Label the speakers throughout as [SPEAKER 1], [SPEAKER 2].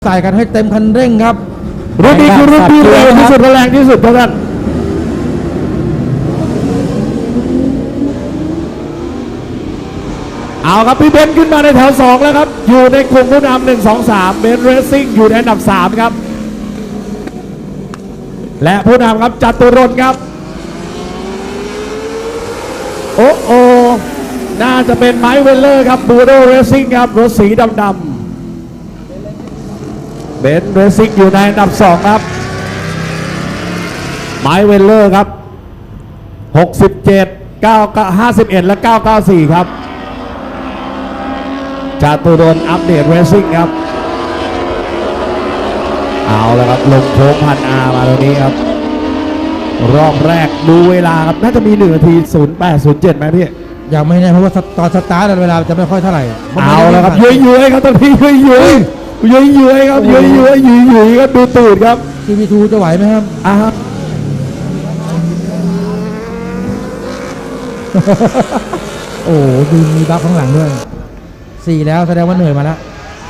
[SPEAKER 1] ใส่กันให้เต็มคันเร่งครับ
[SPEAKER 2] รุ่นนี้คือรุ่นที่เร็วที่สุดแรงที่สุดเท่านั้นเอาครับพี่เบนซ์ขึ้นมาในแถว2แล้วครับอยู่ในกลุ่มผู้นำ1 2 3เบนซ์เรซซิ่งอยู่ในอันดับ3ครับและผู้นำครับจตุรนต์ครับโอ้น่าจะเป็นไมค์เวลเลอร์ครับบูโดเรซซิ่งครับรถสีดำเบนซ์เรซซิ่งอยู่ในอันดับ2ครับไมค์เวลเลอร์ครับ67 51และ994ครับจตุรนต์อัปเดตเรซซิ่งครับเอาแล้วครับลงโค้งพันอามาตรงนี้ครับรอบแรกดูเวลาครับน่าจะมี1 นาที 0807ไหมพี่
[SPEAKER 1] ยังไม่แน่เพราะว่าตอนสตาร์ทเวลาจะไม่ค่อยเท่าไหร่
[SPEAKER 2] เอาแล้วครับยุ้ยครับตอนนี้ยุ้ยครับยุ้ยครับดูตูดครับ
[SPEAKER 1] CP2 จะไหวไหมครับโอ้ดูมีบัฟข้างหลังด้วย4แล้วแสดงว่าเหนื่อยมาแล้ว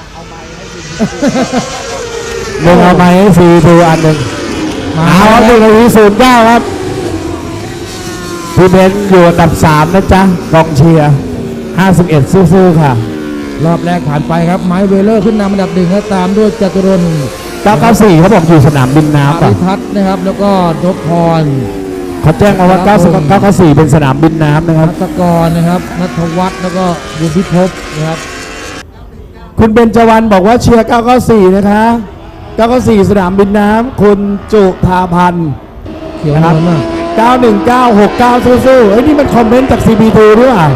[SPEAKER 2] เอาไม้ให้4ดูอันหนึ่งเอา1 นาที 09ครับพี่เบนซ์อยู่อันดับ3นะจ๊ะกองเชียร์51สู้ๆค่ะ
[SPEAKER 1] รอบแรกผ่านไปครับไมค์เวลเลอร์ขึ้นนำอันดับ1แล้วตามด้วยจตุรนต์
[SPEAKER 2] 994เขาบอกอยู่สนามบินน้ำป่ะ
[SPEAKER 1] พิพัฒน์นะครับแล้วก็นพพร
[SPEAKER 2] เขาแจ้งมาว่า994เป็นสนามบินน้ำนะครับ
[SPEAKER 1] นัทกรนะครับนัทวัฒน์แล้วก็บุญพิภพนะครับ
[SPEAKER 2] คุณเบญจวรรณบอกว่าเชียร์994นะคะ994สนามบินน้ำคุณจุธาพันธ์
[SPEAKER 1] เขียวนะครับ
[SPEAKER 2] 91969สู้ๆเอ้ยนี่มันคอมเมนต์จาก CP2 ด้วยอ่ะ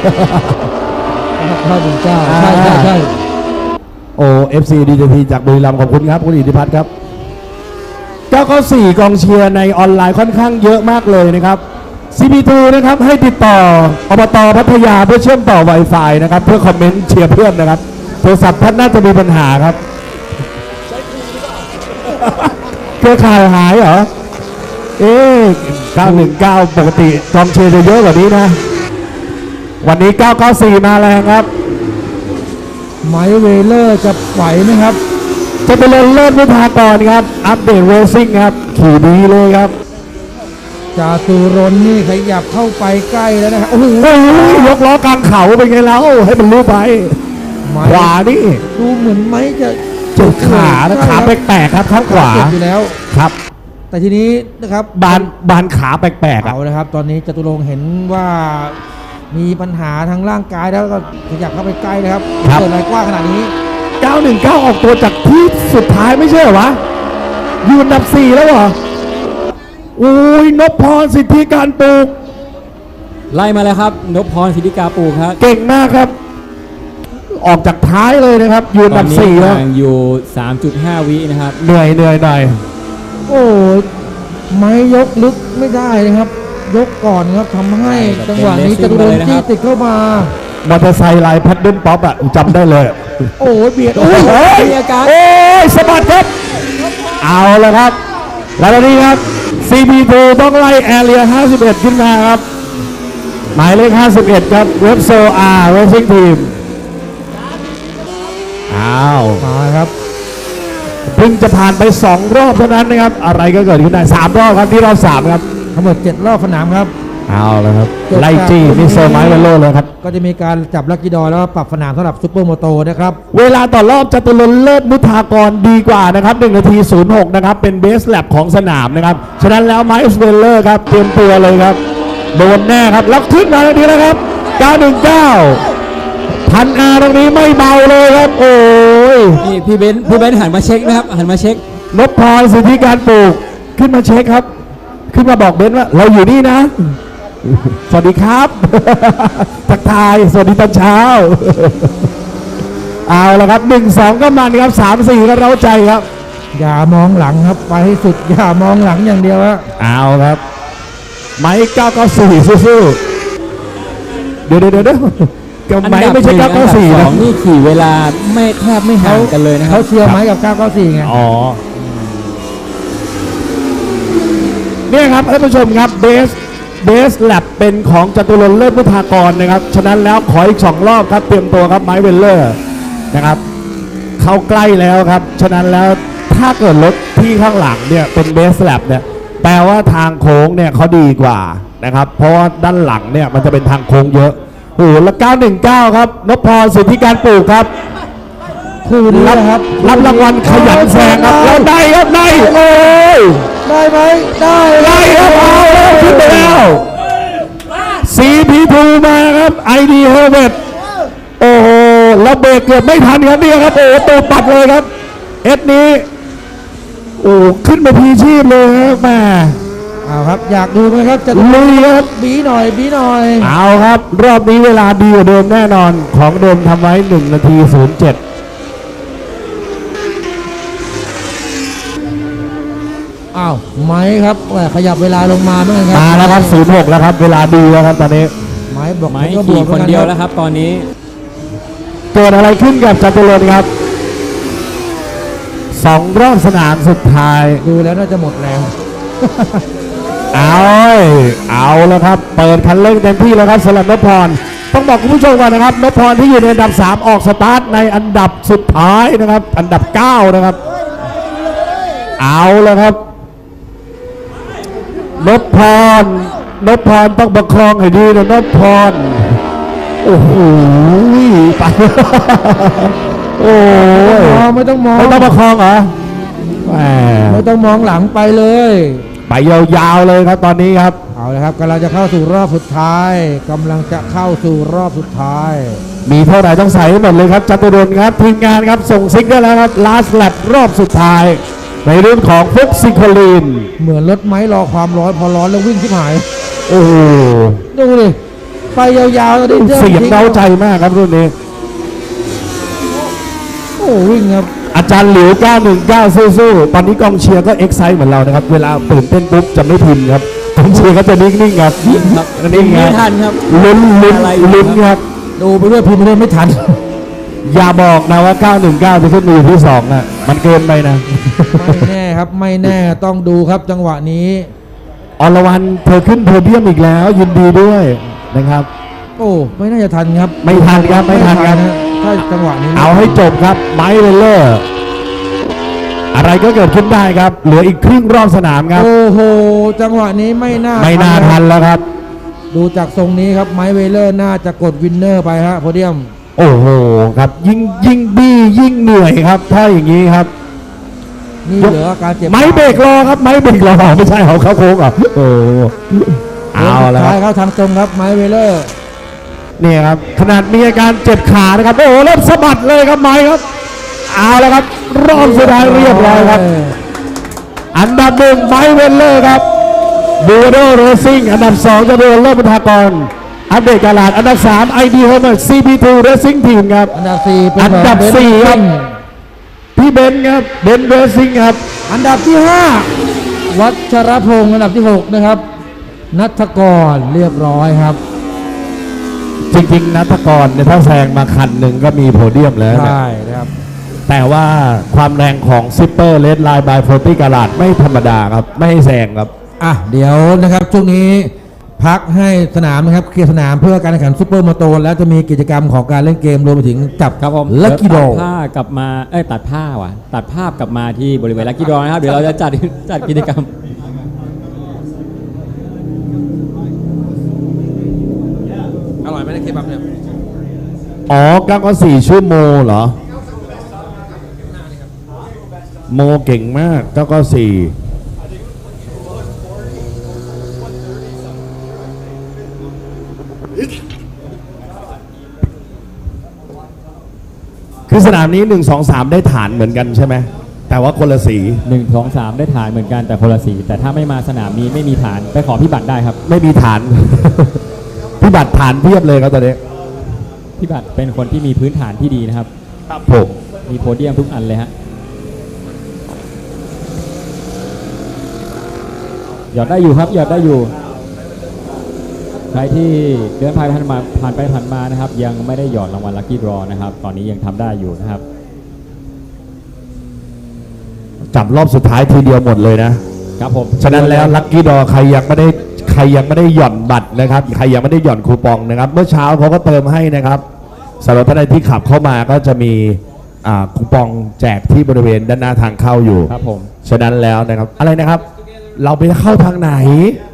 [SPEAKER 1] 919ใช่
[SPEAKER 2] โอ้ FC DJT จากบุรีรัมย์ขอบคุณครับคุณอิทธิพัฒน์ครับ994กองเชียร์ในออนไลน์ค่อนข้างเยอะมากเลยนะครับ CP2 นะครับให้ติดต่ออบต.พัทยาเพื่อเชื่อมต่อ Wi-Fi นะครับเพื่อคอมเมนต์เชียร์เพื่อนนะครับโทรศัพท์ท่านน่าจะมีปัญหาครับเครือข่ายหายเหรอ919ปกติกองเชียร์จะเยอะกว่านี้นะวันนี้994มาแรงครับ
[SPEAKER 1] ไมค์เวลเลอร์จะไหวไหมครับ
[SPEAKER 2] จะเป็นเลิศวิภากรครับอัปเดตเรซซิ่งครับขี่ดีเลยครับ
[SPEAKER 1] จตุรนต์นี่ขยับเข้าไปใกล้แล้วนะครับโอ้โห
[SPEAKER 2] ยกล้อกลางเขาเป็นไงแล้วให้มันรู้ไปขวานี่
[SPEAKER 1] ดูเหมือนไม้จะ
[SPEAKER 2] จุดขาแปลกๆครับข้างขวา
[SPEAKER 1] อยู่แล้ว
[SPEAKER 2] ครับ
[SPEAKER 1] แต่ทีนี้นะครับ
[SPEAKER 2] บานขาแปลกๆ
[SPEAKER 1] เอานะครับตอนนี้จตุรงค์เห็นว่ามีปัญหาทางร่างกายแล้วก็ขยับเข้าไปใกล้นะครับเกิดอะไรกว้างขนาดนี้
[SPEAKER 2] 919ออกตัวจากที่สุดท้ายไม่ใช่เหรอวะอยู่อันดับ4แล้วเหรอโอ้ยนพพรสิทธิการปลูก
[SPEAKER 3] ไล่มาแล้วครับนพพรสิทธิการปลูกครับ
[SPEAKER 2] เก่งมากครับออกจากท้ายเลยนะครับอยู่อันดับ4แล้ว
[SPEAKER 3] อยู่ 3.5 วินะครับ
[SPEAKER 2] เหนื่อยหน่อย
[SPEAKER 1] โอ้ไม่ยกลึกไม่ได้นะครับยกก่อนครับทำให้จังหวะนี้จตุรนต์จี้ติดเข้ามาม
[SPEAKER 2] อเตอร์ไซค์ลายแพดเดิลป๊อปอ่ะจำได้เลย
[SPEAKER 1] โอ้เบียด
[SPEAKER 2] มีอาการสะบัดครับเอาแล้วครับแล้วตอนนี้ครับ CP2 ต้องไล่แอเรีย51ขึ้นมาครับหมายเลข51ครับเว็บโซอาร์เรซซิ่งทีม
[SPEAKER 1] มาครับ
[SPEAKER 2] เพิ่งจะผ่านไป2รอบเท่านั้นนะครับอะไรก็เกิดขึ้นได้3รอบครับที่รอบ3ครับ
[SPEAKER 1] ทั้งหมด7รอบสนามครับ
[SPEAKER 2] เอาแล้วครับไล่จี้นี่โซไมค์เวลโล่เลยครับ
[SPEAKER 1] ก็จะมีการจับลักกี้ดอแล้วปรับสนามสำหรับซุปเปอร์โมโตนะครับ
[SPEAKER 2] เวลาต่อรอบจตุรนต์เลิศมุทากรดีกว่านะครับ1 นาที 06นะครับเป็นเบสแลปของสนามนะครับฉะนั้นแล้วไมค์เวลเลอร์ครับเตรียมตัวเลยครับโดนแน่ครับแล้วขึ้นมาแล้วดีแล้วครับ919พันอาตรงนี้ไม่เบาเลยครับโอ้ย
[SPEAKER 3] นี่พี่เบนซ์หันมาเช็คนะครับหันมาเช็คน
[SPEAKER 2] พพรสิทธิการปลูกขึ้นมาเช็คครับขึ้นมาบอกเบนซ์ว่าเราอยู่นี่นะสวัสดีครับทักทายสวัสดีตอนเช้าเอาละครับ1-2ก็มันครับ3-4ก็เร้าใจครับ
[SPEAKER 1] อย่ามองหลังครับไปให้สุดอย่ามองหลังอย่างเดียวครับ
[SPEAKER 2] เอาครับไมค์994สู้ๆเดี๋ยวกับไมค์ไม่ใช่994นะ
[SPEAKER 3] นี่ขี่เวลาไม่แทบไม่ห่างกันเลยนะครับ
[SPEAKER 1] เขาเชียร์ไมค์กับ994ไง
[SPEAKER 2] อ๋อเนี่ยครับท่านผู้ชมครับเบสแลบเป็นของจตุรนต์เลิศมุทากรนะครับฉะนั้นแล้วขออีก2รอบครับเตรียมตัวครับไมค์เวลเลอร์นะครับเข้าใกล้แล้วครับ ฉะนั้นแล้วถ้าเกิดรถที่ข้างหลังเนี่ยเป็นเบสแลบเนี่ยแปลว่าทางโค้งเนี่ยเขาดีกว่านะครับ เพราะว่าด้านหลังเนี่ยมันจะเป็นทางโค้งเยอะโอ้โหแล้ว919 ครับนพพรสิทธิการปลูกครับ
[SPEAKER 1] คู่นี้นะครับ
[SPEAKER 2] รับรางวัลขยันแซงครับแล้วได้ครับได้โอ้ย
[SPEAKER 1] ได้ไหมได้
[SPEAKER 2] ได้ครับเอาแล้วขึ้นไปแล้วCP2 มาครับ ID Helmet โอ้โหแล้วเบรกเกือบไม่ทันครับเนี่ยครับโอ้โหตัวปัดเลยครับเอสนี้โอ้ขึ้นมาพีชีพเลยครับแม่
[SPEAKER 1] เอาครับอยากดูไหมครับจะ
[SPEAKER 2] ลุยครับ
[SPEAKER 1] บีหน่อยบีหน่อย
[SPEAKER 2] เอาครับ รอบนี้เวลาดีกว่าเดิมแน่นอนของเดิมทำไว้1 นาที 07
[SPEAKER 1] อ้าวไม้ครับแหม่ขยับเวลาลงมาเหมือนกันครับ
[SPEAKER 2] มาแล้วครับ06แล้วครับเวลาดีแล้วครับตอนนี้
[SPEAKER 1] ไม้บอก
[SPEAKER 3] ไม้
[SPEAKER 1] ก็บ
[SPEAKER 3] ขี่
[SPEAKER 1] วก
[SPEAKER 3] คน
[SPEAKER 1] หมือกั
[SPEAKER 3] เดียว
[SPEAKER 1] รับ
[SPEAKER 3] แล้วครับตอนนี้
[SPEAKER 2] เกิดอะไรขึ้นกับจตุรนต์ครับ2 รอบสนามสุดท้าย
[SPEAKER 1] ดูแล้วน่าจะหมดแรง
[SPEAKER 2] เอาแล้วครับ เปิดคันเร่งเต็มที่แล้วครับสำหรับนพพรต้องบอกคุณผู้ชมก่อนนะครับนพพรที่อยู่ในอันดับ 3 ออกสตาร์ทในอันดับสุดท้ายนะครับ อันดับ 9 นะครับ เอาแล้วครับนพพรต้องประคองให้ดีนะนพพรโอ้โหไป โอ้ย
[SPEAKER 1] ไม่ต้องมอง
[SPEAKER 2] ไม่ต้องประคองเหรอแหม
[SPEAKER 1] ไม่ต้องมองหลังไปเลย
[SPEAKER 2] ไปยาวๆเลยครับตอนนี้ครับ
[SPEAKER 1] เอาละครับกำลังจะเข้าสู่รอบสุดท้ายกำลังจะเข้าสู่รอบสุดท้าย
[SPEAKER 2] มีเท่าไหร่ต้องใส่ให้หมดเลยครับจตุรนต์ครับทีมงานครับส่งซิกได้แล้วครับ last lap รอบสุดท้าย ในรุ่นของฟุกซิโคลีน
[SPEAKER 1] เหมือนรถไม้รอความร้อนพอร้อนแล้ววิ่งที่หาย
[SPEAKER 2] โอ้โห
[SPEAKER 1] ดูดิไปยาวๆแล้วดิ
[SPEAKER 2] เสียงเร้าใจมากครับรุ่นนี้
[SPEAKER 1] โอ้วิ่งครับ
[SPEAKER 2] อาจารย์หลิว 919 สู้ๆตอนนี้กองเชียร์ก็เอ็กไซต์เหมือนเรานะครับ เวลาตื่นเต้นปุ๊บจะไม่พิมพ์ครับกองเชียร์ก็จะนิ่งๆครับ
[SPEAKER 3] ครับ
[SPEAKER 2] นิ่งๆค
[SPEAKER 3] ไม่
[SPEAKER 2] รับ
[SPEAKER 3] ทันครับ
[SPEAKER 2] ลุ้นครับ
[SPEAKER 1] ดูไปด้วยพิมพ์ไปด้วยไม่ทัน
[SPEAKER 2] อย่าบอกนะว่า 919 จะขึ้นมาอยู่ที่2อ่ะมันเกินไปนะ
[SPEAKER 1] ไม่แน่ครับไม่แน่ต้องดูครับจังหวะนี้
[SPEAKER 2] อรวรรณเธอขึ้นโพเดียมอีกแล้ว ยินดีด้วยนะครับ
[SPEAKER 1] โอ้ไม่น่าจะทันครับ
[SPEAKER 2] ไม่ทันครับไม่ทันครับ
[SPEAKER 1] ฮะถ้าจังหวะนี้
[SPEAKER 2] เอาให้จบครับไมค์เลเลอร์อะไรก็เกิดขึ้นได้ครับ เหลืออีกครึ่งรอบสนามครับ
[SPEAKER 1] โอ้โหจังหวะนี้ไม่น่า
[SPEAKER 2] ไม่น่าทันแล้วครับ
[SPEAKER 1] ดูจากทรงนี้ครับไมค์เวเลอร์น่าจะกดวินเนอร์ไปฮะโพเดียม
[SPEAKER 2] โอ้โหครับยิ่งบี้ยิ่งเหนื่อยครับ ถ้าอย่างนี้ครับ
[SPEAKER 1] นี่เหลืออาการเจ็บ
[SPEAKER 2] ไม้เบรกรอครับไม้เบรกรอไม่ใช่เขาเข้าโค้งเหรอ่ะโอ้เอาแล้วค
[SPEAKER 1] ท้าย
[SPEAKER 2] รับ
[SPEAKER 1] เข้าทางตรงครับไมค์เวเลอร์
[SPEAKER 2] เนี่ยครับขนาดมีอาการเจ็บขานะครับโอ้โหเริ่มสะบัดเลยครับไม้ครับเอาแล้วครับรอบสุดท้ายเรียบร้อยครับ อันดับ 1ไมค์เวลเลอร์ครับบูโดเรซิ่งอันดับ 2 จะโดนเลิศบุญทากรอัปเดตการลาดอันดับ 3 ID Helmet CP2 Racing Team ครับ
[SPEAKER 1] อันดับ4เป็น
[SPEAKER 2] อันดับ 4 ครับพี่เบนซ์ครับเบนซ์เรซิ่งครับ
[SPEAKER 1] อันดับที่ 5 วัชรพงศ์อันดับที่ 6 นะครับนัทกรเรียบร้อยครับ
[SPEAKER 2] จริงๆนัทกรเนี่ยถ้าแซงมาคันหนึ่งก็มีโพเดียมแล้วนะ
[SPEAKER 1] ใช่นะครับ
[SPEAKER 2] แต่ว่าความแรงของซิปเปอร์เลดไลน์บาย40การาดไม่ธรรมดาครับไม่ให้แซงครับ
[SPEAKER 1] อ่ะเดี๋ยวนะครับช่วงนี้พักให้สนามนะครับเคลียร์สนามเพื่อการแข่งขันซุปเปอร์มาโตนแล้วจะมีกิจกรรมของการเล่นเกมรวมไปถึงจับ
[SPEAKER 3] ครับผม
[SPEAKER 1] ลัคกี้โด
[SPEAKER 3] ตัดผ้ากลับมาตัดผ้าว่ะตัดภาพกลับมาที่บริเวณลักกี้ดอนะครับ เดี๋ยวเราจะจัดกิจกรรม
[SPEAKER 1] อร่อยไหมเคบับเนี่ย
[SPEAKER 2] อ๋อ994ชื่อโมเหรอ โมเก่งมาก994คือสนามนี้1 2 3ได้ฐานเหมือนกันใช่ไหมแต่ว่าคนละสี
[SPEAKER 3] 1 2 3 ได้ฐานเหมือนกันแต่คนละสีแต่ถ้าไม่มาสนามนี้ไม่มีฐานไปขอพี่บัตรได้ครับ
[SPEAKER 2] ไม่มีฐาน พี่บัตรฐานเพียบเลยครับตอนนี้
[SPEAKER 3] พี่บัตรเป็นคนที่มีพื้นฐานที่ดีนะครับ
[SPEAKER 2] ครับผม
[SPEAKER 3] มีโพเดียมทุกอันเลยฮะหยอดได้อยู่ครับหยอดได้อยู่ ใครที่เดินผ่านไปผ่านมานะครับ ยังไม่ได้หยอดรางวัลลัคกี้ดรอนะครับตอนนี้ยังทำได้อยู่นะครับ
[SPEAKER 2] จับรอบสุดท้ายทีเดียวหมดเลยนะครับ
[SPEAKER 3] ผม
[SPEAKER 2] ฉะนั้นแล้วลัคกี้ดอใครยังไม่ได้หย่อนบัตรนะครับใครยังไม่ได้หย่อนคูปองนะครับ เมื่อเช้าเขาก็เติมให้นะครับสำหรับท่านใดที่ขับเข้ามาก็จะมีคูปองแจกที่บริเวณด้านหน้าทางเข้าอยู่
[SPEAKER 3] ครับผม
[SPEAKER 2] ฉะนั้นแล้วนะครับอะไรนะครับ เราไปเข้าทางไหน